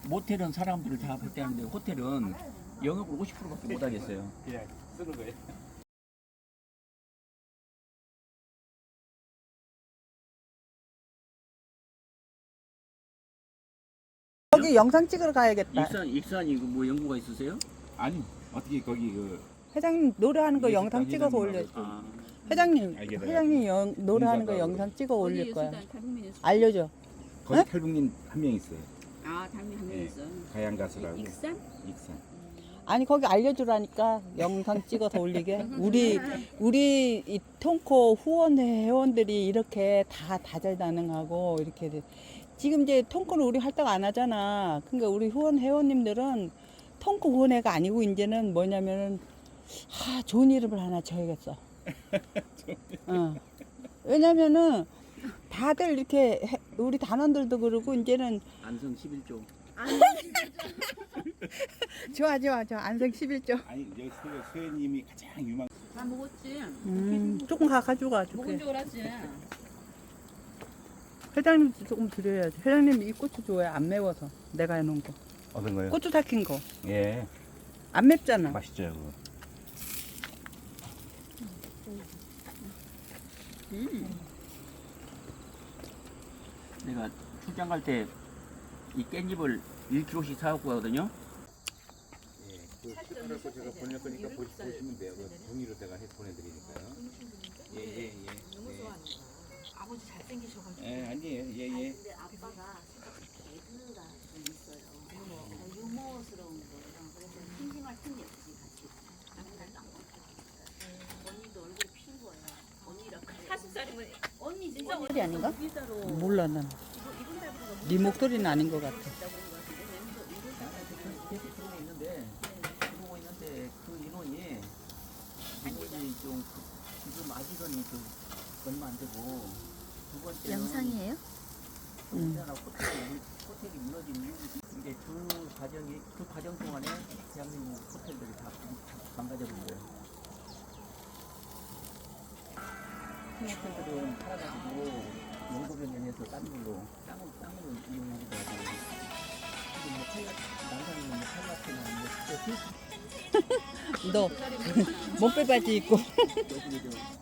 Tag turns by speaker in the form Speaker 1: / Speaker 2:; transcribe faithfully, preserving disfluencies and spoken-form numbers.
Speaker 1: 모텔은 사람들을 다 배대하는데 호텔은 영업을 오십 퍼센트밖에 못 하겠어요.
Speaker 2: 그냥 쓰는 거예요.
Speaker 3: 거기 영상 찍으러 가야겠다.
Speaker 1: 익산 익산이 그 뭐 연구가 있으세요?
Speaker 2: 아니 어떻게 거기 그
Speaker 3: 회장님 노래하는 거
Speaker 2: 예술단
Speaker 3: 영상 찍어서
Speaker 2: 회장님하고
Speaker 3: 올려.
Speaker 1: 아,
Speaker 3: 회장님,
Speaker 2: 알게 돼요.
Speaker 3: 회장님 영, 노래하는 거
Speaker 2: 공사가
Speaker 3: 영상 찍어 올릴 거야.
Speaker 4: 예술단 탈북민 예술단.
Speaker 3: 알려줘.
Speaker 2: 거기
Speaker 3: 네?
Speaker 2: 탈북민 한 명 있어요.
Speaker 4: 아, 탈북민 한명
Speaker 2: 예.
Speaker 4: 있어.
Speaker 2: 가양 가수라고.
Speaker 4: 익산?
Speaker 2: 익산.
Speaker 3: 아니 거기 알려주라니까 영상 찍어서 올리게. 우리 우리 이 통코 후원 회원들이 이렇게 다 다재다능하고 이렇게 돼. 지금 이제 통코는 우리 활동 안 하잖아. 그러니까 우리 후원 회원님들은 통코 후원회가 아니고 이제는 뭐냐면은 아 좋은 이름을 하나 줘야겠어. 어. 왜냐면은 다들 이렇게 해- 우리 단원들도 그러고 이제는
Speaker 1: 안성 십일 조.
Speaker 3: 좋아 좋아 좋아 안성 십일 조.
Speaker 2: 아니 여기 수혜, 수혜님이 가장 유망.
Speaker 4: 다 먹었지.
Speaker 3: 음, 조금 가 가져가
Speaker 4: 먹은
Speaker 3: 줄게.
Speaker 4: 줄 알았지.
Speaker 3: 회장님도 조금 드려야지. 회장님 이 고추 좋아해. 안 매워서. 내가 해놓은 거.
Speaker 2: 어떤 거요?
Speaker 3: 고추 삭힌 거.
Speaker 2: 예.
Speaker 3: 안 맵잖아.
Speaker 2: 맛있죠 그거.
Speaker 4: 음.
Speaker 1: 내가 출장 갈 때 이 깻잎을 일 킬로그램씩 사갖고 가거든요.
Speaker 2: 예. 그 그래서 제가 보낼 거니까 보시, 보시면 돼요. 그 종이로 제가 해 보내드리니까요. 예예예. 예,
Speaker 5: 너무
Speaker 2: 예.
Speaker 5: 좋아하는 거야. 아버지 잘생기셔가지고.
Speaker 2: 예 아니에요. 예예.
Speaker 5: 아니, 근데 아빠가 생각보다 개그가 좀 있어요. 유머, 유머스러운 거랑 그래서 심심할 틈이 없지 같이. 남편도 안 먹고. 언니도 얼굴이 핀 거예요. 언니라 그래.
Speaker 4: 사십 살이면
Speaker 5: 언니
Speaker 4: 진짜
Speaker 3: 목소리 아닌가?
Speaker 4: 비싸로
Speaker 3: 몰라 난. 네 목소리는 아닌 것 같아.
Speaker 1: 계속 들어오고 있는데 들어오고 있는데 그 인원이 인원이 좀 그- 지금 아직은 그 얼마 안 되고 두 번째는
Speaker 6: 영상이에요?
Speaker 3: 음.
Speaker 1: 우리나라 호텔이 호텔이 무너진 이유 이게 그 과정이 그 과정 동안에 대한민국 호텔들이 다 망가져버린 거예요. 큰 호텔들은 팔아가지고 연구변경해서 딴 걸로 땅을 땅으로 이용하기도 하고 지금 뭐 팔라 남산이면 뭐 팔라티나 뭐
Speaker 3: 너 목베 바지 입고
Speaker 1: 여기 저